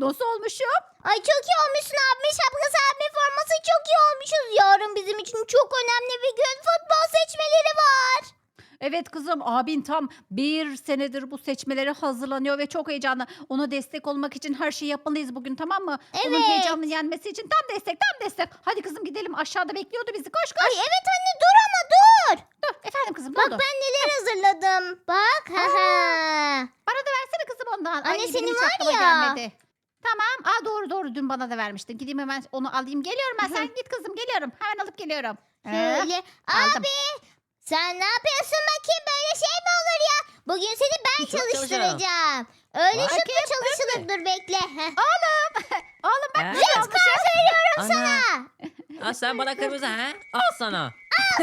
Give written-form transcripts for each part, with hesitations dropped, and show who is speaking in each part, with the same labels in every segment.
Speaker 1: nasıl olmuşum?
Speaker 2: Ay çok iyi olmuşsun abime. Şapkası abime forması çok iyi olmuşuz. Yarın bizim için çok önemli bir gün. Futbol seçmeleri var.
Speaker 1: Evet kızım, abin tam bir senedir bu seçmelere hazırlanıyor ve çok heyecanlı. Ona destek olmak için her şeyi yapmalıyız bugün, tamam mı? Onun
Speaker 2: Evet.
Speaker 1: heyecanını yenmesi için tam destek, tam destek. Hadi kızım gidelim, aşağıda bekliyordu bizi, koş koş.
Speaker 2: Ay evet anne dur ama dur.
Speaker 1: Dur efendim kızım, ne
Speaker 2: Bak
Speaker 1: oldu?
Speaker 2: ben neler hazırladım. Bak.
Speaker 1: Bana da versene kızım ondan.
Speaker 2: Anne,
Speaker 1: Ay, benim
Speaker 2: senin
Speaker 1: hiç
Speaker 2: var
Speaker 1: aklıma
Speaker 2: ya.
Speaker 1: gelmedi. Tamam. Doğru dün bana da vermiştin. Gideyim hemen onu alayım. Geliyorum ben. Sen git kızım, geliyorum. Hemen alıp geliyorum.
Speaker 2: Şöyle.
Speaker 1: aldım.
Speaker 2: Abi sen ne yapıyorsun bakayım, böyle şey mi olur ya? Bugün seni ben
Speaker 3: Şut
Speaker 2: çalıştıracağım. Öyle şut mu
Speaker 1: Bakayım,
Speaker 2: çalışılır, dur bekle. Heh.
Speaker 1: Oğlum bak
Speaker 3: He?
Speaker 1: ne almışım.
Speaker 3: Ana.
Speaker 2: Ha.
Speaker 3: Aa, sen bana kırmızı ha? Al sana.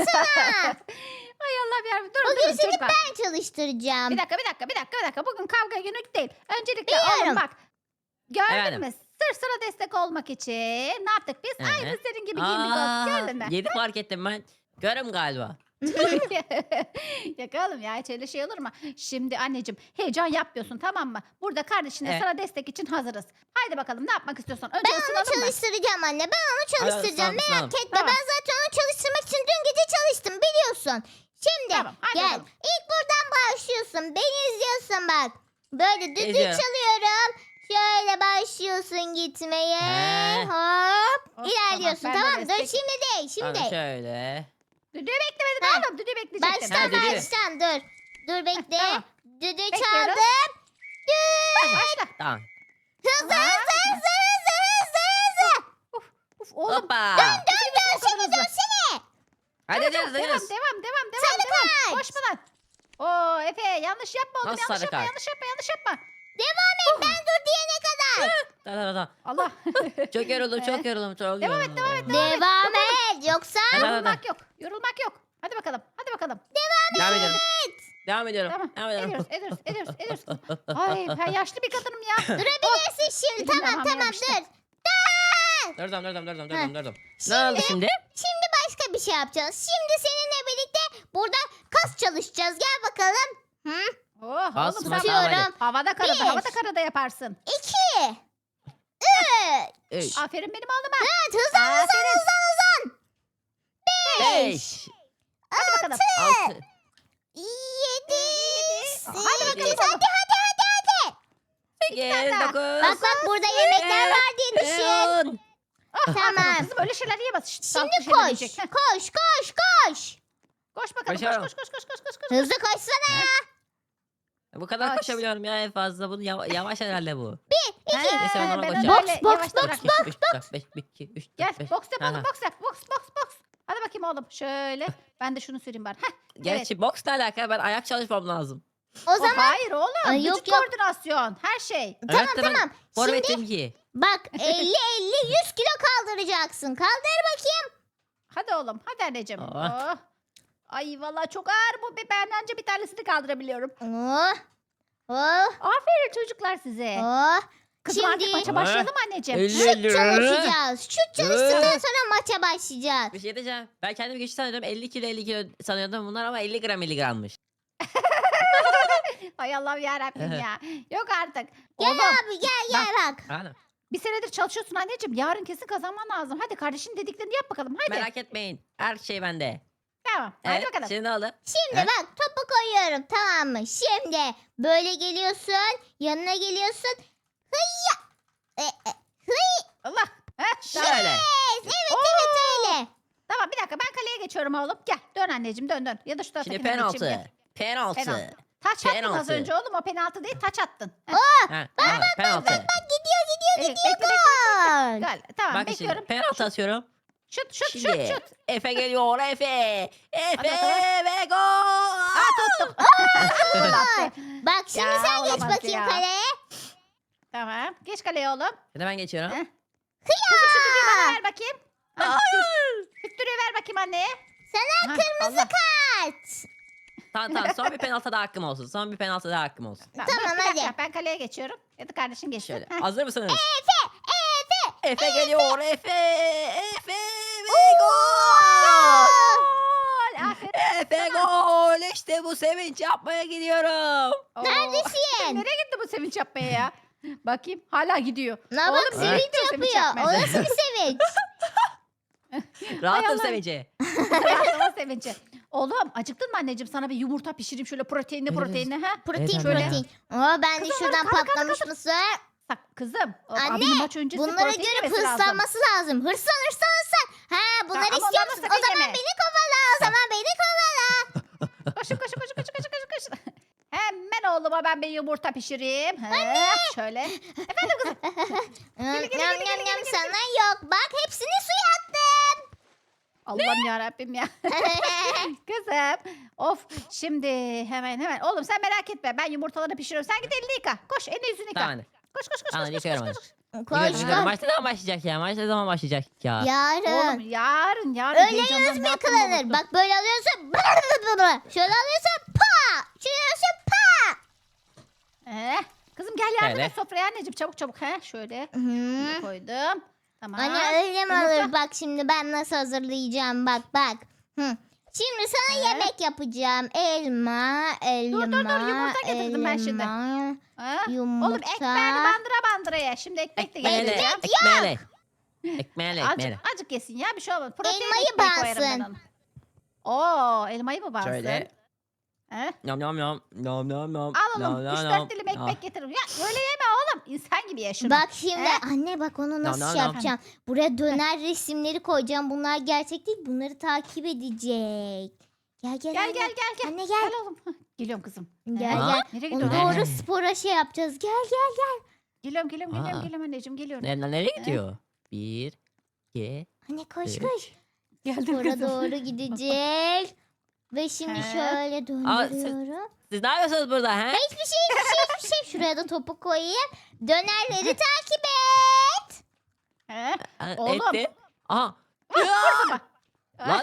Speaker 1: Ay Allah'ım yarabbim. Durun
Speaker 2: Bugün seni
Speaker 1: çocuklar.
Speaker 2: ben çalıştıracağım.
Speaker 1: Bir dakika. Bugün kavga günü değil. Öncelikle
Speaker 2: Biliyorum.
Speaker 1: oğlum bak. Gördün
Speaker 3: Efendim?
Speaker 1: mü? Sırf sana destek olmak için ne yaptık biz?
Speaker 3: Hı hı.
Speaker 1: Aynı senin gibi giyindik oğlum. Gördün mü?
Speaker 3: Yedi fark ettim ben. Görüm galiba.
Speaker 1: Yakalım ya, hiç öyle şey olur mu? Şimdi anneciğim heyecan yapmıyorsun, tamam mı? Burada kardeşine
Speaker 3: Evet.
Speaker 1: sana destek için hazırız. Haydi bakalım, ne yapmak istiyorsan. Önce
Speaker 2: Ben onu
Speaker 1: ısınalım mı?
Speaker 2: çalıştıracağım anne. Ben onu çalıştıracağım.
Speaker 3: Hadi,
Speaker 2: Merak
Speaker 3: sağ ol.
Speaker 2: etme.
Speaker 1: Tamam.
Speaker 2: Ben zaten onu çalıştırmak için dün gece çalıştım biliyorsun. Şimdi
Speaker 1: Tamam, hadi
Speaker 2: gel.
Speaker 1: bakalım.
Speaker 2: İlk buradan başlıyorsun. Beni izliyorsun bak. Böyle düdük
Speaker 3: İzliyorum.
Speaker 2: çalıyorum. Şöyle başlıyorsun gitmeye.
Speaker 3: He.
Speaker 2: Hop.
Speaker 1: Of,
Speaker 2: İlerliyorsun
Speaker 1: tamam, ben de
Speaker 2: tamam mı? Dur
Speaker 1: destek-
Speaker 2: şimdi değil.
Speaker 3: Tamam
Speaker 2: Şimdi.
Speaker 3: şöyle.
Speaker 1: Düdüğü beklemedin
Speaker 2: Ha.
Speaker 1: oğlum. Düdüğü bekleyecektin.
Speaker 2: Baştan
Speaker 3: Ha, düdüğü.
Speaker 2: baştan dur. Dur bekle.
Speaker 1: Tamam.
Speaker 2: Düdüğü
Speaker 1: Bekliyoruz.
Speaker 2: çaldım.
Speaker 1: Başla.
Speaker 3: Tamam.
Speaker 2: Hızlı
Speaker 1: Aa.
Speaker 2: hızlı.
Speaker 1: Uf, oğlum.
Speaker 3: Hoppa.
Speaker 2: Dön
Speaker 1: O kadar hızlı.
Speaker 2: dönsene.
Speaker 3: Hadi
Speaker 1: Devam,
Speaker 3: hadi
Speaker 1: devam,
Speaker 3: hadi.
Speaker 1: devam.
Speaker 2: kaç.
Speaker 1: Koşma lan. Oo Efe, yanlış yapma oğlum.
Speaker 3: Nasıl
Speaker 1: Yanlış
Speaker 3: sarı
Speaker 1: yapma,
Speaker 3: kart?
Speaker 1: yanlış yapma.
Speaker 2: Devam et ben dur diyene kadar.
Speaker 3: Tamam.
Speaker 1: Allah.
Speaker 3: Çok yoruldum.
Speaker 1: Devam et.
Speaker 2: Devam et yoksa
Speaker 3: Hadi, hadi.
Speaker 1: Yorulmak yok. Hadi bakalım.
Speaker 3: Devam ediyorum. Devam ediyorum.
Speaker 1: Tamam.
Speaker 3: Devam ediyorum.
Speaker 1: Ediyoruz. Ay ben yaşlı bir kadınım ya.
Speaker 2: durabilirsin şimdi.
Speaker 1: Elim
Speaker 2: Tamam
Speaker 1: ayağım
Speaker 2: dur.
Speaker 1: yapıştı.
Speaker 3: Durdum. Ne oldu şimdi?
Speaker 2: Şimdi başka bir şey yapacağız. Şimdi seninle birlikte burada kas çalışacağız. Gel bakalım. Hı?
Speaker 1: Oh,
Speaker 3: Bas,
Speaker 1: oğlum
Speaker 3: bas,
Speaker 1: sen
Speaker 3: tamam,
Speaker 2: Diyorum.
Speaker 1: havada
Speaker 2: Bir.
Speaker 1: karada yaparsın.
Speaker 2: 2 3
Speaker 3: Üç.
Speaker 1: Aferin benim oğluma.
Speaker 2: 4 hızlan
Speaker 1: Aferin.
Speaker 3: 5.
Speaker 1: Hadi bakalım.
Speaker 3: 6.
Speaker 2: 7
Speaker 1: Hadi bakalım.
Speaker 2: 8 hadi.
Speaker 3: 8. 9.
Speaker 2: Bak burada yemekler var diye düşün.
Speaker 3: 10.
Speaker 2: Tamam.
Speaker 1: Kızım öyle şeyler yiyemez. Şşt, sağlıklı
Speaker 2: Şimdi
Speaker 1: şeyler
Speaker 2: koş.
Speaker 1: yiyecek. Heh,
Speaker 2: Koş.
Speaker 1: Koş bakalım.
Speaker 3: Koşuyorum.
Speaker 1: Koş.
Speaker 2: Hızlı koşsana ya.
Speaker 3: Bu kadar
Speaker 1: Koş.
Speaker 3: koşabiliyorum ya en fazla. Bu yavaş herhalde bu.
Speaker 1: He,
Speaker 3: Neyse, ben ona
Speaker 1: ben
Speaker 3: koşacağım.
Speaker 1: öyle
Speaker 2: Boks,
Speaker 1: yavaş
Speaker 2: boks,
Speaker 1: bırak.
Speaker 3: 3, 4, 5, 1, 2, 3, 4,
Speaker 1: Gel
Speaker 3: 5.
Speaker 1: boks yap oğlum, boks. Hadi bakayım oğlum. Şöyle. Ben de şunu süreyim bari. Heh.
Speaker 3: Gerçi boks ne alaka? Ben ayak çalışmam lazım.
Speaker 2: O zaman
Speaker 1: Hayır oğlum.
Speaker 2: Ay, yok,
Speaker 1: Vücut
Speaker 2: yok.
Speaker 1: koordinasyon. Her şey.
Speaker 2: tamam
Speaker 3: Evet de ben
Speaker 2: tamam.
Speaker 3: forvetim ki.
Speaker 2: Bak 50 100 kilo kaldıracaksın. Kaldır bakayım.
Speaker 1: Hadi oğlum. Hadi anneciğim.
Speaker 3: Oh.
Speaker 1: Oh. Ay vallahi çok ağır bu. Ben anca bir tanesini kaldırabiliyorum.
Speaker 2: Oh. Oh.
Speaker 1: Aferin çocuklar size.
Speaker 2: Oh.
Speaker 1: Kızım artık
Speaker 2: Şimdi
Speaker 1: maça başlayalım mı anneciğim.
Speaker 3: 50
Speaker 2: şut çalışacağız. Şut çalıştıktan sonra maça başlayacağız.
Speaker 3: Bir şey diyeceğim. Ben kendimi güçlü sanıyordum. 50 kilo sanıyordum bunlar ama 50 gram miligrammış.
Speaker 1: Ay Allah'ım yarabbim ya. Yok artık.
Speaker 2: Gel
Speaker 1: Oğlum
Speaker 2: abi gel bak.
Speaker 3: Anladın?
Speaker 1: bir senedir çalışıyorsun anneciğim. Yarın kesin kazanman lazım. Hadi kardeşin dediklerini yap bakalım. Hadi.
Speaker 3: Merak etmeyin. Her şey bende.
Speaker 1: Tamam. Hadi
Speaker 3: Evet.
Speaker 1: bakalım.
Speaker 3: Şimdi ne oldu?
Speaker 2: Şimdi
Speaker 3: He?
Speaker 2: bak topu koyuyorum tamam mı? Şimdi böyle geliyorsun. Yanına geliyorsun. Hıyya.
Speaker 1: Allah. Heh, tamam.
Speaker 3: Şöyle.
Speaker 2: Evet öyle.
Speaker 1: Tamam bir dakika ben kaleye geçiyorum oğlum. Gel dön anneciğim dön. Ya da şu tarafa
Speaker 3: Şimdi
Speaker 1: geçeyim.
Speaker 3: penaltı.
Speaker 1: Gel.
Speaker 3: Penaltı.
Speaker 1: Penaltı. Taç attın az
Speaker 3: Penaltı.
Speaker 1: önce oğlum, o penaltı değil, taç attın. Heh,
Speaker 3: Ha, penaltı.
Speaker 1: bekle.
Speaker 2: Gol.
Speaker 1: Gel. Tamam
Speaker 3: Bak
Speaker 1: bekliyorum.
Speaker 3: şimdi penaltı atıyorum.
Speaker 1: Şut.
Speaker 3: Şimdi Efe geliyor Efe.
Speaker 1: Hadi
Speaker 3: Efe
Speaker 1: bakalım.
Speaker 3: ve gol.
Speaker 1: Tuttum. Gol attı.
Speaker 2: Bak şimdi
Speaker 1: Ya,
Speaker 2: sen geç
Speaker 1: olamaz
Speaker 2: bakayım
Speaker 1: ya.
Speaker 2: kaleye.
Speaker 1: Tamam. Geç kaleye oğlum.
Speaker 3: Şimdi ben geçiyorum.
Speaker 1: Heh. Kızım şu düdüğü bana ver bakayım. Düdüğü ver bakayım anneye.
Speaker 2: Sana
Speaker 1: Aha,
Speaker 2: kırmızı
Speaker 1: Allah.
Speaker 2: kart.
Speaker 3: Tamam son bir penaltı daha hakkım olsun. Son bir penaltı daha hakkım olsun.
Speaker 1: Tamam,
Speaker 2: Tamam,
Speaker 1: dur, bir dakika,
Speaker 2: hadi.
Speaker 1: ben kaleye geçiyorum. Ya da kardeşin geçsin.
Speaker 3: Şöyle.
Speaker 1: Heh.
Speaker 3: Hazır mısınız?
Speaker 2: Efe.
Speaker 3: Efe geliyor Efe. Efe ve gol.
Speaker 1: Gol. Aferin.
Speaker 3: Efe gol. İşte bu sevinç yapmaya gidiyorum.
Speaker 1: Oo.
Speaker 2: Neredesin?
Speaker 1: Nereye gitti bu sevinç yapmaya ya? Bakayım hala gidiyor.
Speaker 2: Ne bak
Speaker 1: Oğlum, nereye
Speaker 2: sevinç
Speaker 1: gidiyorsun
Speaker 2: yapıyor.
Speaker 1: çakmaya?
Speaker 2: O nasıl bir sevinç?
Speaker 3: Rahatım
Speaker 1: Allah.
Speaker 3: sevinci.
Speaker 1: Rahatlama sevinci. Oğlum acıktın mı anneciğim? Sana bir yumurta pişireyim şöyle proteinli
Speaker 3: Evet.
Speaker 1: proteinli. Ha?
Speaker 2: Protein
Speaker 3: Evet,
Speaker 2: protein. Oo, ben de
Speaker 1: Kızım,
Speaker 2: şuradan
Speaker 1: kaldır, kaldır,
Speaker 2: patlamış mısır.
Speaker 1: Bak kızım.
Speaker 2: Anne,
Speaker 1: abinin maç öncesi
Speaker 2: Bunlara
Speaker 1: protein
Speaker 2: göre
Speaker 1: yemesi lazım.
Speaker 2: hırslanması lazım. Hırslan. Ha bunları
Speaker 1: ama
Speaker 2: istiyor
Speaker 1: ondan
Speaker 2: musun?
Speaker 1: sakın
Speaker 2: O zaman
Speaker 1: yeme.
Speaker 2: beni kovala. O zaman beni kovala.
Speaker 1: Koşun. Hemen oğluma ben bir yumurta pişireyim. Şöyle. Efendim kızım.
Speaker 2: Yam sana yok. Bak hepsini suya attım.
Speaker 1: Allah'ım yarabbim ya. Kızım. Of. Şimdi hemen. Oğlum sen merak etme. Ben yumurtaları pişiriyorum. Sen git elini yıka. Koş elini yüzünü yıka.
Speaker 3: Tamam anne.
Speaker 1: Koş.
Speaker 3: Tamam, yıkıyorum hadi.
Speaker 2: Koş
Speaker 3: Yıkıyorum.
Speaker 2: koş.
Speaker 3: Maç ne zaman başlayacak ya? Maç ne zaman başlayacak ya?
Speaker 2: Yarın.
Speaker 1: Oğlum yarın.
Speaker 2: Öyle
Speaker 1: heyecandan
Speaker 2: yüz
Speaker 1: ne
Speaker 2: mü
Speaker 1: yaptığımı
Speaker 2: yıkılanır?
Speaker 1: unuttum.
Speaker 2: Bak böyle alıyorsun. Şöyle alıyorsun. Pa. Şöyle alıyorsun. Pa.
Speaker 1: Kızım gel yardım
Speaker 3: Şöyle.
Speaker 1: et sofraya anneciğim. Çabuk. Şöyle.
Speaker 2: Hı.
Speaker 1: Şöyle koydum. Tamam.
Speaker 2: Anne öyle mi
Speaker 1: Yumurta.
Speaker 2: olur? Bak şimdi ben nasıl hazırlayacağım. Bak. Hı. Şimdi sana yemek yapacağım. Elma.
Speaker 1: Dur, yumurta getirdim ben şimdi.
Speaker 2: elma,
Speaker 1: Ha?
Speaker 2: Yumurta.
Speaker 1: Oğlum ekmeğini bandıra ye. Şimdi ekmek de
Speaker 3: Ekmeğiyle.
Speaker 1: getireceğim.
Speaker 3: Ekmeğiyle.
Speaker 1: Azıcık yesin ya bir şey olmaz. Protein
Speaker 2: Elmayı
Speaker 1: ekmeği koyarım ben
Speaker 2: bansın.
Speaker 1: ona. Oo elmayı mı bansın?
Speaker 3: Şöyle.
Speaker 1: He?
Speaker 3: Nom.
Speaker 1: Al oğlum 3-4 dilim ekmek getiririm. Ya öyle yeme oğlum. İnsan gibi ye şunu.
Speaker 2: Bak şimdi
Speaker 1: He?
Speaker 2: anne bak onu nasıl
Speaker 3: no,
Speaker 2: şey
Speaker 3: no.
Speaker 2: yapacağım. Buraya döner resimleri koyacağım. Bunlar gerçek değil. Bunları takip edecek. Gel
Speaker 1: Gel.
Speaker 2: anne. Anne gel.
Speaker 1: Gel oğlum. Hah, Geliyorum kızım.
Speaker 2: Gel
Speaker 1: He?
Speaker 2: gel.
Speaker 1: Nereye
Speaker 2: Onu
Speaker 1: gidiyorsun?
Speaker 2: doğru spora şey yapacağız. Gel.
Speaker 1: Geliyorum
Speaker 3: Aa.
Speaker 1: anneciğim geliyorum.
Speaker 3: Nereye gidiyor? 1, 2.
Speaker 2: Anne koş.
Speaker 1: Geldim
Speaker 2: Spora
Speaker 1: kızım.
Speaker 2: doğru gidecek. Ve şimdi
Speaker 1: He?
Speaker 2: şöyle döndürüyorum.
Speaker 3: Siz ne yapıyorsunuz burada he?
Speaker 2: Hiçbir şey. Şuraya da topu koyayım. Dönerleri takip et.
Speaker 1: He?
Speaker 3: Ha,
Speaker 1: Oğlum.
Speaker 3: Etti. Aha. Lan.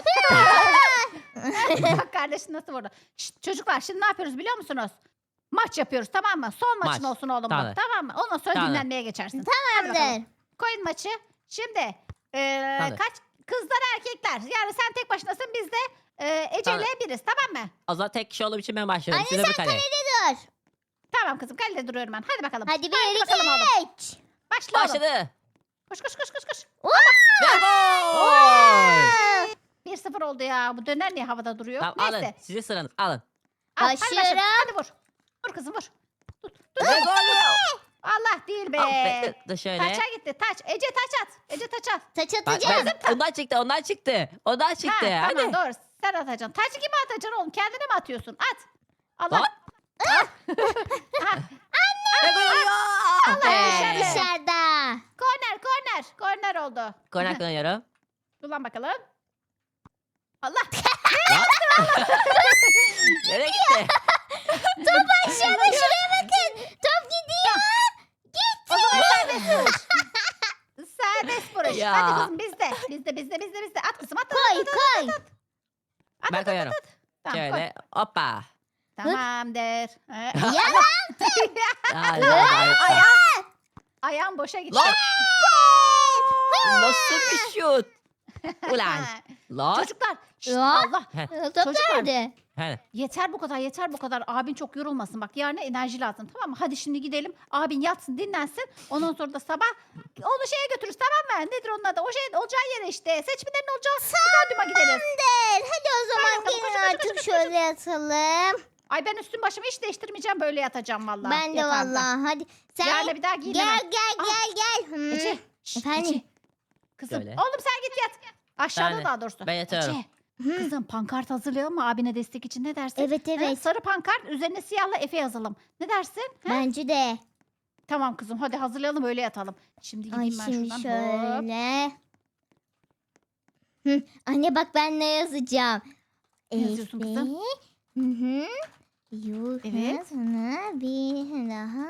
Speaker 1: Bak kardeşin nasıl vurdu. Şşt, çocuklar şimdi ne yapıyoruz biliyor musunuz? Maç yapıyoruz tamam mı? Son maçın
Speaker 3: Maç.
Speaker 1: olsun oğlum bu.
Speaker 3: Tamam.
Speaker 1: Tamam mı? Ondan sonra
Speaker 3: Tamam.
Speaker 1: dinlenmeye geçersin. Hadi bakalım.
Speaker 2: Tamamdır.
Speaker 1: Koyun maçı. Şimdi
Speaker 3: Tamam.
Speaker 1: kaç kızlar erkekler. Yani sen tek başınasın biz de Ece
Speaker 3: Tamam.
Speaker 1: ile biriz tamam mı?
Speaker 3: O zaman tek kişi olduğum için ben başlıyorum.
Speaker 2: Anne,
Speaker 3: Size bir kale.
Speaker 2: Dur.
Speaker 1: Tamam kızım kalede duruyorum ben. Hadi bakalım.
Speaker 2: Hadi bir
Speaker 1: Haydi bakalım oğlum.
Speaker 2: iki üç.
Speaker 1: Başla oğlum.
Speaker 3: Başladı.
Speaker 1: Koş.
Speaker 3: Ve gol.
Speaker 1: 1-0 oldu ya. Bu döner niye havada duruyor?
Speaker 3: Tamam
Speaker 1: Neyse.
Speaker 3: alın. Sizin sıranız alın.
Speaker 1: Al, hadi başla.
Speaker 2: Başlıyorum.
Speaker 1: Hadi vur. Vur kızım vur.
Speaker 3: Ve gol.
Speaker 1: Allah değil be.
Speaker 3: Da şöyle.
Speaker 1: Taça gitti taç. Ece taç at. Ece taç at.
Speaker 2: Taç
Speaker 3: Bak,
Speaker 2: atacağım.
Speaker 3: ondan çıktı. Ondan çıktı.
Speaker 1: Ha,
Speaker 3: Hadi.
Speaker 1: tamam doğru. Sen atacaksın. Taçı kime atacaksın oğlum? Kendine mi atıyorsun? At. Allah.
Speaker 3: Lan.
Speaker 1: Ha,
Speaker 3: Ve gol oluyor.
Speaker 1: Allah dışarı.
Speaker 2: Dışarıda.
Speaker 1: Korner oldu.
Speaker 3: Korner kullanıyorum.
Speaker 1: Kullan bakalım. Allah.
Speaker 3: Nereye gitti?
Speaker 2: Aşağıda şuraya bakın. Top gidiyor.
Speaker 1: O zaman serbest vuruş. Serbest vuruş.
Speaker 3: Ya.
Speaker 1: Hadi kızım bizde. At kızım at.
Speaker 2: Koy.
Speaker 1: At.
Speaker 3: Ben koyuyorum.
Speaker 1: Tamam, koy.
Speaker 3: Şöyle. Hoppa.
Speaker 1: Tamamdır.
Speaker 2: Ya
Speaker 1: Ayağım boşa gitti.
Speaker 3: Lan. Nasıl bir şut? Ulan. Lan.
Speaker 1: Çocuklar. şşt,
Speaker 2: Ya.
Speaker 1: Allah.
Speaker 2: top
Speaker 1: Çocuklar.
Speaker 2: nerede?
Speaker 3: He.
Speaker 1: Yeter bu kadar. Abin çok yorulmasın. Bak yarına enerji lazım tamam mı? Hadi şimdi gidelim. Abin yatsın dinlensin. Ondan sonra da sabah onu şeye götürürüz tamam mı? Nedir onun adı? O şey olacağı yere işte. Seçmelerin olacağı stadyuma gideriz.
Speaker 2: Hadi o zaman
Speaker 1: bakalım,
Speaker 2: gelin
Speaker 1: koş,
Speaker 2: artık şöyle yatalım.
Speaker 1: Ay ben üstüm başımı hiç değiştirmeyeceğim. Böyle yatacağım vallahi.
Speaker 2: Ben de
Speaker 1: yatağımda.
Speaker 2: vallahi. Hadi sen
Speaker 1: Yarın bir daha giyinemem.
Speaker 2: gel.
Speaker 1: Ece. şşt,
Speaker 2: Efendim?
Speaker 1: Ece. Kızım.
Speaker 3: Şöyle.
Speaker 1: Oğlum sen git yat. Aşağıda
Speaker 3: Ben-
Speaker 1: daha doğrusu.
Speaker 3: ben yatıyorum.
Speaker 1: Ece. Kızım pankart hazırlayalım mı abine destek için ne dersin?
Speaker 2: Evet
Speaker 1: Ha,
Speaker 2: evet.
Speaker 1: sarı pankart üzerine siyahla Efe yazalım. Ne dersin? Ha?
Speaker 2: Bence de.
Speaker 1: Tamam kızım hadi hazırlayalım öyle yatalım. Şimdi
Speaker 2: Ay
Speaker 1: gideyim ben
Speaker 2: şimdi
Speaker 1: şuradan. Hop.
Speaker 2: şöyle. Anne bak ben ne yazacağım?
Speaker 1: Ne yazıyorsun kızım?
Speaker 2: Hı. Yuh
Speaker 1: Evet.
Speaker 2: sana bir daha.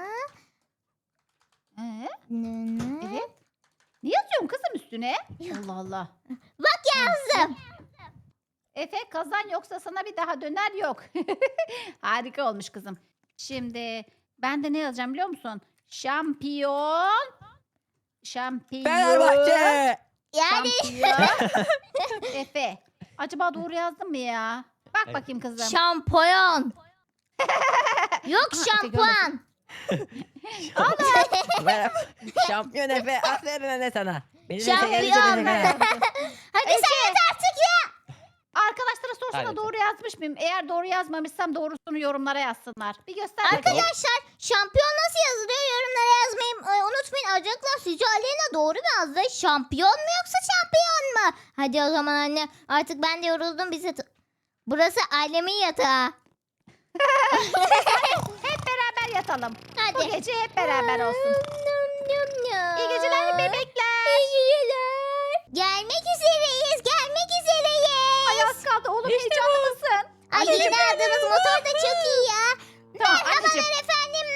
Speaker 2: Nene.
Speaker 1: Evet. Ne yazıyorsun kızım üstüne? Allah Allah.
Speaker 2: Bak yazdım.
Speaker 1: Efe kazan yoksa sana bir daha döner yok. Harika olmuş kızım. Şimdi ben de ne yazacağım biliyor musun? Şampiyon.
Speaker 3: Fenerbahçe.
Speaker 2: Yani
Speaker 1: Şampiyon. Efe. Acaba doğru yazdım mı ya? Bak
Speaker 3: Evet.
Speaker 1: bakayım kızım.
Speaker 2: şampiyon. Yok
Speaker 1: Aha, Efe
Speaker 2: şampuan.
Speaker 3: Merhaba. Şampiyon Efe. Aferin anne sana. Beni de
Speaker 2: Şampiyon.
Speaker 3: seyredecek Efe.
Speaker 2: Hadi sen et artık ya.
Speaker 1: Arkadaşlara sorsana
Speaker 3: Hadi.
Speaker 1: doğru yazmış mıyım? Eğer doğru yazmamışsam doğrusunu yorumlara yazsınlar. Bir göster bakayım.
Speaker 2: Arkadaşlar şampiyon nasıl yazılıyor yorumlara yazmayı unutmayın. Acaba sizce Aleyna doğru mu yazdı? Şampiyon mu yoksa şampiyon mu? Hadi o zaman anne artık ben de yoruldum. Burası ailemin yatağı.
Speaker 1: Hep beraber yatalım. Bu
Speaker 2: Hadi.
Speaker 1: gece hep beraber olsun. İyi geceler bebekler.
Speaker 2: İyi geceler. Gelmek üzereyiz. Gelmek üzereyiz.
Speaker 1: Ay az kaldı oğlum heyecanlı mısın?
Speaker 2: Ay yeni aldığınız motor da çok iyi ya.
Speaker 1: Tamam anneciğim.
Speaker 2: Merhabalar efendim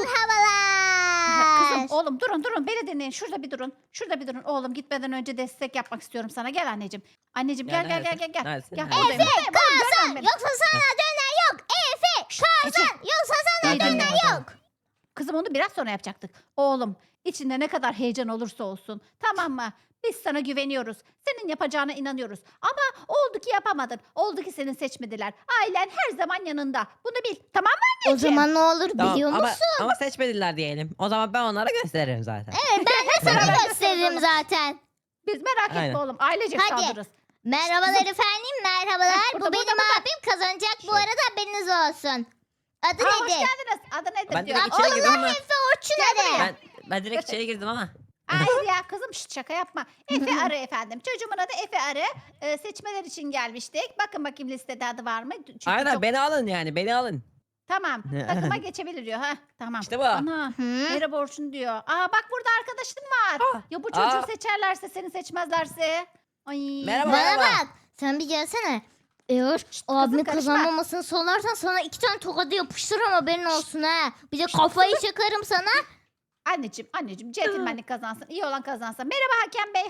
Speaker 2: merhabalar.
Speaker 1: Kızım oğlum durun beni dinleyin. Şurada bir durun. Şurada bir durun. Oğlum gitmeden önce destek yapmak istiyorum sana. Gel anneciğim. Anneciğim gel.
Speaker 3: Neredesin?
Speaker 1: Gel.
Speaker 3: Neredesin?
Speaker 1: Gel
Speaker 3: Neredesin?
Speaker 1: buradayım.
Speaker 2: Efe
Speaker 1: Buradayım.
Speaker 2: kazan
Speaker 1: Görmem beni.
Speaker 2: yoksa sana döner yok. Efe kazan yoksa sana
Speaker 1: İyi dinle
Speaker 2: döner
Speaker 1: bakalım.
Speaker 2: yok.
Speaker 1: Kızım onu biraz sonra yapacaktık. Oğlum içinde ne kadar heyecan olursa olsun. Tamam mı? Biz sana güveniyoruz. Senin yapacağına inanıyoruz. Ama oldu ki yapamadın. Oldu ki seni seçmediler. Ailen her zaman yanında. Bunu bil. Tamam mı
Speaker 2: O
Speaker 1: anneciğim?
Speaker 2: zaman ne olur
Speaker 3: Tamam,
Speaker 2: biliyor musun?
Speaker 3: ama seçmediler diyelim. O zaman ben onlara gösteririm zaten.
Speaker 2: Evet ben de sana gösteririm zaten.
Speaker 1: Biz merak etme
Speaker 3: Aynen.
Speaker 1: oğlum. Ailecek
Speaker 2: Hadi.
Speaker 1: saldırırız.
Speaker 2: Merhabalar efendim merhabalar.
Speaker 1: Heh,
Speaker 2: Bu
Speaker 1: burada,
Speaker 2: benim
Speaker 1: burada.
Speaker 2: abim kazanacak bu
Speaker 3: Şöyle.
Speaker 2: arada haberiniz olsun. Adı
Speaker 1: Aa, hoş
Speaker 2: nedir?
Speaker 1: geldiniz. Adı nedir
Speaker 3: Ben
Speaker 1: diyor.
Speaker 3: direkt içeri girdim ama.
Speaker 2: Efe Orçun adı.
Speaker 3: Ben direkt içeri girdim ama.
Speaker 1: Hayır ya kızım şşt, şaka yapma. Efe Arı efendim. Çocuğumun adı Efe Arı. Seçmeler için gelmiştik. Bakın listede adı var mı? Çünkü
Speaker 3: Aynen
Speaker 1: çok-
Speaker 3: beni alın yani beni alın.
Speaker 1: Tamam. Takıma geçebilir diyor. Ha, tamam.
Speaker 3: İşte bu.
Speaker 1: Ana.
Speaker 2: Hı?
Speaker 1: Merhaba Orçun diyor. Aa bak burada arkadaşın var.
Speaker 3: Aa,
Speaker 1: Ya bu çocuğu
Speaker 3: aa.
Speaker 1: seçerlerse seni seçmezlerse. Ay.
Speaker 3: Merhaba.
Speaker 2: Bana bak. Sen bir gelsene. Eğer abimin
Speaker 1: karışma.
Speaker 2: kazanmamasını sorarsan sana 2 tane tokadı yapıştırırım haberin olsun ha. Bir de kafayı çakarım sana.
Speaker 1: Anneciğim centilmenlik kazansın. İyi olan kazansın. Merhaba Hakem Bey.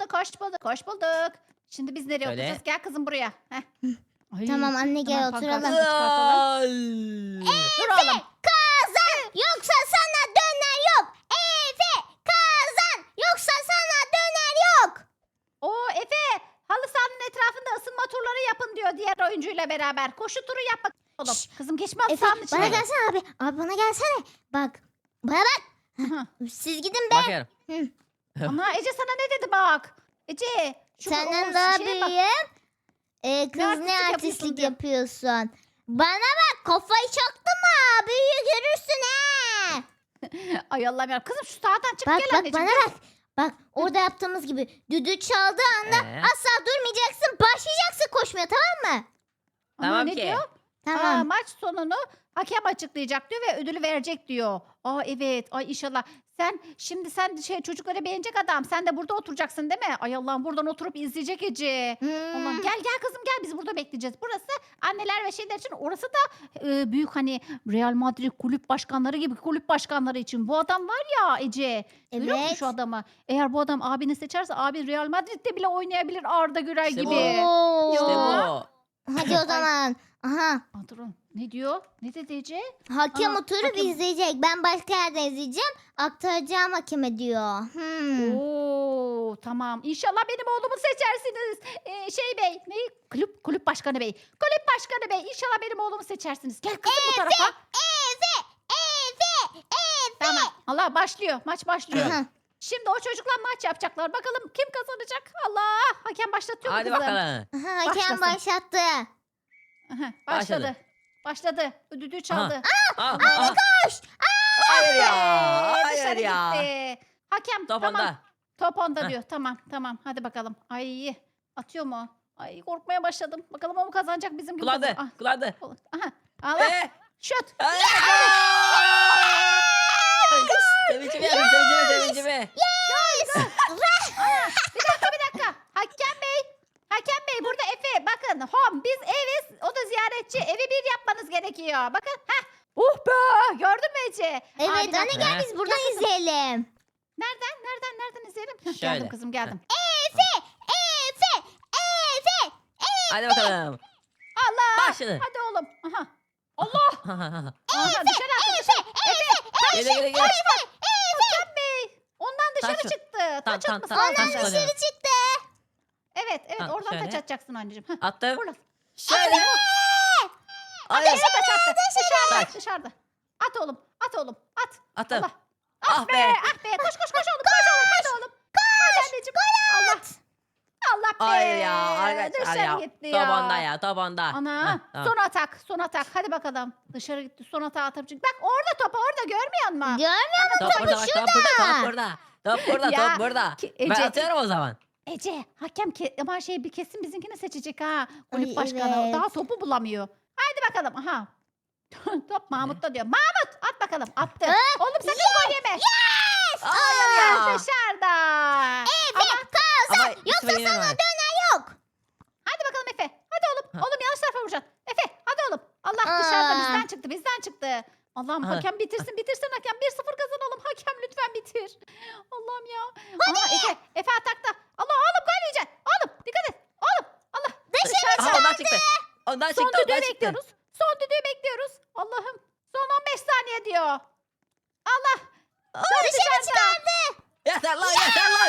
Speaker 1: Hoş bulduk. Şimdi biz nereye
Speaker 3: Şöyle.
Speaker 1: oturacağız? Gel kızım buraya. Heh. Ay,
Speaker 2: Tamam anne gel
Speaker 1: tamam,
Speaker 2: oturalım.
Speaker 1: pankartı çıkartalım. Dur oğlum.
Speaker 2: Kazan yoksa sana döner yok. Efe kazan yoksa sana döner yok.
Speaker 1: Oo Efe. Halı sahanın etrafında ısınma turları yapın diyor diğer oyuncuyla beraber. Koşu turu yap bakalım oğlum.
Speaker 2: Şşş,
Speaker 1: Kızım geçme halı
Speaker 2: Efe
Speaker 1: sahanın
Speaker 2: bana
Speaker 1: içine.
Speaker 2: gelsene abi. Abi bana gelsene. Bak. Bana bak.
Speaker 1: Hı.
Speaker 2: Siz gidin be.
Speaker 3: Bakıyorum.
Speaker 1: Ana Ece sana ne dedi bak. Ece.
Speaker 2: Senden
Speaker 1: o
Speaker 2: daha
Speaker 1: şeye bak.
Speaker 2: büyüğüm. Kız ne
Speaker 1: artistlik yapıyorsun
Speaker 2: artistlik
Speaker 1: diyor.
Speaker 2: yapıyorsun. Bana bak kafayı çaktın mı? Büyüğü görürsün ha.
Speaker 1: Ay Allah'ım ya. Kızım şu sağdan çık
Speaker 2: Bak
Speaker 1: gel
Speaker 2: bak
Speaker 1: anneciğim.
Speaker 2: bana bak. Bak orada yaptığımız gibi düdüğü çaldığı anda asla durmayacaksın. Başlayacaksın koşmaya tamam mı?
Speaker 1: Ana,
Speaker 3: Tamam
Speaker 1: ne
Speaker 3: ki.
Speaker 1: diyor?
Speaker 2: Tamam.
Speaker 1: Aa, maç sonunu hakem açıklayacak diyor ve ödülü verecek diyor. Aa evet. Ay inşallah. Sen çocukları beğenecek adam. Sen de burada oturacaksın değil mi? Ay Allah'ım buradan oturup izleyecek Ece. Allah'ım
Speaker 2: Hmm.
Speaker 1: gel kızım gel biz burada bekleyeceğiz. Burası anneler ve şeyler için orası da büyük hani Real Madrid kulüp başkanları gibi kulüp başkanları için. Bu adam var ya Ece. Görüyor musun
Speaker 2: Evet.
Speaker 1: şu adamı? Eğer bu adam abini seçerse abi Real Madrid'de bile oynayabilir Arda Güler
Speaker 3: İşte bu.
Speaker 1: gibi.
Speaker 2: Oo.
Speaker 3: İşte
Speaker 1: Ya.
Speaker 3: bu.
Speaker 2: Hadi o zaman. Aha.
Speaker 1: Aa, durun. Ne diyor? Ne dedi Ece?
Speaker 2: Hakem
Speaker 1: Aa,
Speaker 2: oturup
Speaker 1: hakem.
Speaker 2: izleyecek. Ben başka yerde izleyeceğim. Aktaracağım hakeme diyor.
Speaker 1: Oo tamam. İnşallah benim oğlumu seçersiniz. Bey, ne? Kulüp başkanı bey. Kulüp başkanı bey. İnşallah benim oğlumu seçersiniz. Gel kızım bu tarafa.
Speaker 2: Efe.
Speaker 1: Tamam. Allah başlıyor. Maç başlıyor.
Speaker 2: Aha.
Speaker 1: Şimdi o çocuklar maç yapacaklar. Bakalım kim kazanacak? Allah! Hakem başlatıyor mu
Speaker 3: Hadi
Speaker 1: kızım?
Speaker 3: bakalım.
Speaker 2: Aha, hakem
Speaker 1: Başlasın.
Speaker 2: başlattı.
Speaker 1: Aha,
Speaker 3: Başladı.
Speaker 1: Başladı. Düdüğü çaldı.
Speaker 3: Aa,
Speaker 2: Koş.
Speaker 3: hayır ya.
Speaker 1: Dışarı
Speaker 3: Hayır ya.
Speaker 1: gitti. Hakem
Speaker 3: Top
Speaker 1: tamam.
Speaker 3: onda.
Speaker 1: Top onda
Speaker 3: Heh.
Speaker 1: diyor. Tamam. Hadi bakalım. Ay atıyor mu? Ay korkmaya başladım. Bakalım o mu kazanacak bizim gibi
Speaker 3: Kullandı.
Speaker 1: kazan-
Speaker 3: Kullandı.
Speaker 1: Ah, aha. Allah. Şut.
Speaker 3: Sevincimi sevincimi.
Speaker 1: Bir dakika. Hakem Bey burada Efe. Bakın home biz eviz. O da ziyaretçi. Evi bir yapmanız gerekiyor. Bakın. Heh. Be. Gördün mü Ece?
Speaker 2: Evet
Speaker 1: Aa, bir
Speaker 2: anne
Speaker 1: dakika.
Speaker 2: gel biz buradan izleyelim.
Speaker 1: Nereden izleyelim? Heh,
Speaker 3: Şöyle.
Speaker 1: Geldim kızım geldim.
Speaker 2: Efe.
Speaker 3: Hadi bakalım.
Speaker 1: Allah.
Speaker 3: Başladı.
Speaker 1: Hadi oğlum. Aha. Allah. Aha, dışarı attı.
Speaker 3: Gele.
Speaker 1: Hakem Bey. Ondan dışarı
Speaker 3: Taç-
Speaker 1: çıktı.
Speaker 3: Tamam,
Speaker 1: Taç atması
Speaker 3: tamam,
Speaker 1: lazım.
Speaker 3: taç
Speaker 2: Ondan
Speaker 3: kullanıyorum.
Speaker 2: dışarı çıktı.
Speaker 1: Evet
Speaker 3: Tamam,
Speaker 1: oradan
Speaker 3: şöyle.
Speaker 1: taç atacaksın anneciğim. Heh,
Speaker 3: Attım.
Speaker 1: Buradan.
Speaker 3: Şöyle.
Speaker 1: Hayır.
Speaker 3: Hayır.
Speaker 1: Taç attı.
Speaker 3: Taç.
Speaker 1: Dışarıda. At oğlum. At oğlum. At.
Speaker 3: Attım.
Speaker 1: Allah.
Speaker 3: Ah be.
Speaker 1: Ah be. Koş koş koş oğlum. Koş oğlum. Hadi oğlum. Hadi anneciğim. Allah. Allah be.
Speaker 3: Hayır ya arkadaşlar
Speaker 1: Dışarı
Speaker 3: ya.
Speaker 1: gitti
Speaker 3: Top
Speaker 1: ya.
Speaker 3: onda ya top onda.
Speaker 1: Ana.
Speaker 3: Heh, tamam.
Speaker 1: Son atak. Son atak. Hadi bakalım. Dışarı gitti. Son atağı atıp çık. Bak orada topu orada görmüyor musun?
Speaker 2: Görmüyor musun?
Speaker 3: Top burada bak top burada top burada. Top burada
Speaker 1: Ya,
Speaker 3: top burada. Ben
Speaker 1: Ece,
Speaker 3: atıyorum o zaman.
Speaker 1: Ece hakem ama bir kesin bizimkini seçecek ha. Kulüp
Speaker 2: Ay,
Speaker 1: başkanı.
Speaker 2: evet.
Speaker 1: Daha topu bulamıyor. Haydi bakalım. Aha. Top Mahmut'ta diyor. Mahmut at bakalım. Attı. Oğlum sakın gol yeme.
Speaker 3: Hayır
Speaker 1: Aa,
Speaker 3: ya.
Speaker 1: dışarıda.
Speaker 3: Ama
Speaker 2: Yoksa
Speaker 3: İsmail'in
Speaker 2: sana
Speaker 3: var.
Speaker 2: döner yok.
Speaker 1: Hadi bakalım Efe. Hadi oğlum.
Speaker 3: Ha.
Speaker 1: Oğlum yanlış tarafa vuracaksın. Efe hadi oğlum. Allah
Speaker 2: Aa.
Speaker 1: dışarıda bizden çıktı. Bizden çıktı. Allah'ım
Speaker 3: Aha.
Speaker 1: hakem bitirsin hakem. 1-0 kazanalım. Hakem lütfen bitir. Allah'ım ya. Aha, Efe atakta. Allah oğlum gol yiyeceksin. Oğlum dikkat et. Oğlum Allah.
Speaker 3: Aha, ondan çıktı. Ondan
Speaker 1: Son
Speaker 3: çıktı
Speaker 1: düdüğü
Speaker 3: ondan çıktı.
Speaker 1: bekliyoruz. Son düdüğü bekliyoruz. Allah'ım. Son 15 saniye diyor. Allah. Top
Speaker 2: Dışarı
Speaker 1: dışarıda.
Speaker 2: çıkardı.
Speaker 3: Yeter lan yeter lan.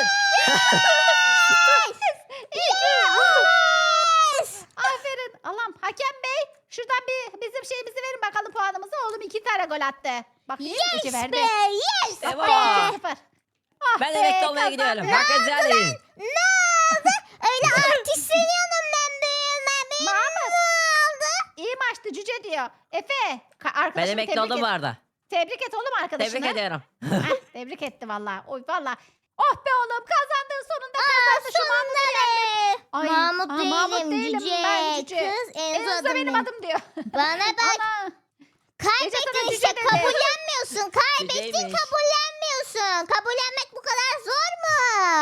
Speaker 2: Yes.
Speaker 1: Aferin. Allah'ım hakem bey. Şuradan bizim şeyimizi verin bakalım puanımızı. Oğlum 2 tane gol attı. Bak Ece
Speaker 2: Yes
Speaker 1: verdi.
Speaker 2: be. Yes
Speaker 3: İşte bu.
Speaker 2: be.
Speaker 1: 2-0. Ah
Speaker 3: Ben
Speaker 1: be,
Speaker 3: emekli olmaya
Speaker 1: kazandık.
Speaker 3: gidiyorum. Bakın güzelim.
Speaker 2: Ne oldu? Öyle artisteniyorum ben büyüme.
Speaker 1: Mahmut.
Speaker 2: Ne oldu?
Speaker 1: İyi maçtı cüce diyor. Efe.
Speaker 3: Ben
Speaker 1: Arkadaşım
Speaker 3: emekli
Speaker 1: tebrik
Speaker 3: oldum
Speaker 1: et.
Speaker 3: bu arada.
Speaker 1: Tebrik et oğlum arkadaşını.
Speaker 3: Tebrik ediyorum.
Speaker 1: Heh, tebrik etti valla. Oy valla. Oh be oğlum kazandın sonunda kazandın şu
Speaker 2: Sonunda
Speaker 1: Mahmut'u.
Speaker 2: be.
Speaker 1: Ay,
Speaker 2: Mahmut
Speaker 1: aa,
Speaker 2: değilim,
Speaker 1: Mahmut değilim,
Speaker 2: cüce.
Speaker 1: ben cüce.
Speaker 2: Kız
Speaker 1: Enzo
Speaker 2: Enzo
Speaker 1: benim
Speaker 2: adım
Speaker 1: adım diyor.
Speaker 2: Bana bak.
Speaker 1: Ana.
Speaker 2: Kaybettin
Speaker 1: sana
Speaker 2: işte
Speaker 1: cüce dedi.
Speaker 2: kabullenmiyorsun. Kaybettin
Speaker 3: Cüceymiş.
Speaker 2: kabullenmiyorsun. Kabullenmek bu kadar zor mu?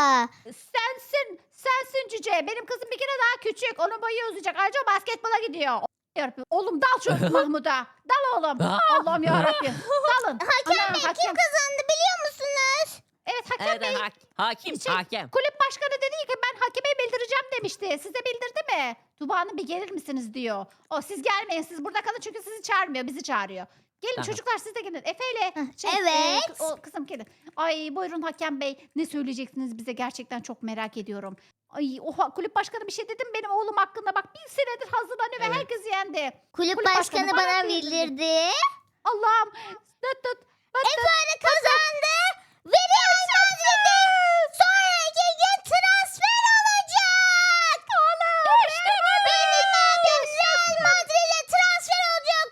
Speaker 1: Sensin cüce. Benim kızım bir kere daha küçük. Onun boyu uzayacak. Ayrıca o basketbola gidiyor. Oğlum dal şu Mahmut'a. Dal oğlum. Allah'ım yarabbim. Dalın.
Speaker 2: Hakem
Speaker 1: Ana,
Speaker 2: Bey kim kazandı biliyor musunuz?
Speaker 1: Evet hakem
Speaker 3: Evet
Speaker 1: bey.
Speaker 3: hakim
Speaker 1: Şey,
Speaker 3: hakem.
Speaker 1: Kulüp başkanı dedi ki ben hakeme bildireceğim demişti. Size bildirdi mi? Tuba Hanım bir gelir misiniz diyor. O siz gelmeyin siz burada kalın çünkü sizi çağırmıyor bizi çağırıyor. Gelin
Speaker 3: Tamam.
Speaker 1: çocuklar siz de gelin. Efe ile
Speaker 2: evet.
Speaker 1: o kızım gelin. Ay buyurun hakem bey ne söyleyeceksiniz bize gerçekten çok merak ediyorum. Ay o kulüp başkanı bir şey dedim benim oğlum hakkında bak bir senedir hazırlanıyor ve
Speaker 3: Evet.
Speaker 1: herkes yendi.
Speaker 2: Kulüp
Speaker 1: Kulüp
Speaker 2: başkanı
Speaker 1: başkanı bana
Speaker 2: bana
Speaker 1: bildirdi.
Speaker 2: bildirdi.
Speaker 1: Allah'ım. Dıt dıt.
Speaker 2: Efe'yle kazandı. Ve Real Madrid'e sonraki gün transfer olacak. İşte benim abim Real Madrid'e transfer olacak.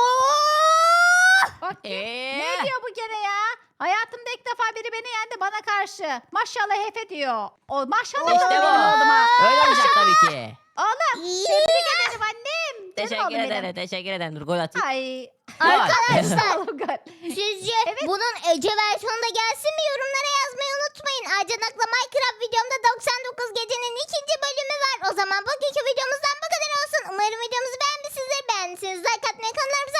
Speaker 2: Oo!
Speaker 1: Bak ne diyor bu gene ya? Hayatımda ilk defa biri beni yendi bana karşı. Maşallah Efe diyor. O maşallah
Speaker 3: İşte
Speaker 1: benim
Speaker 3: bu.
Speaker 1: oğluma.
Speaker 3: Öyle olacak tabii ki.
Speaker 1: Oğlum tebrik ederim annem. Canım
Speaker 3: Teşekkür
Speaker 1: oğlum benim.
Speaker 3: ederim teşekkür ederim. Dur gol atayım.
Speaker 1: Ay.
Speaker 2: Arkadaşlar
Speaker 1: Oğlum gol.
Speaker 2: sizce
Speaker 1: Evet.
Speaker 2: bunun Ece versiyonu da gelsin mi? Yorumlara yazmayı unutmayın. Acanak'la Minecraft videomda 99 gecenin 2. bölümü var. O zaman bugünkü videomuzdan bu kadar olsun. Umarım videomuzu beğenmişsinizdir. Beğendiyseniz like atmayı, kanallarımıza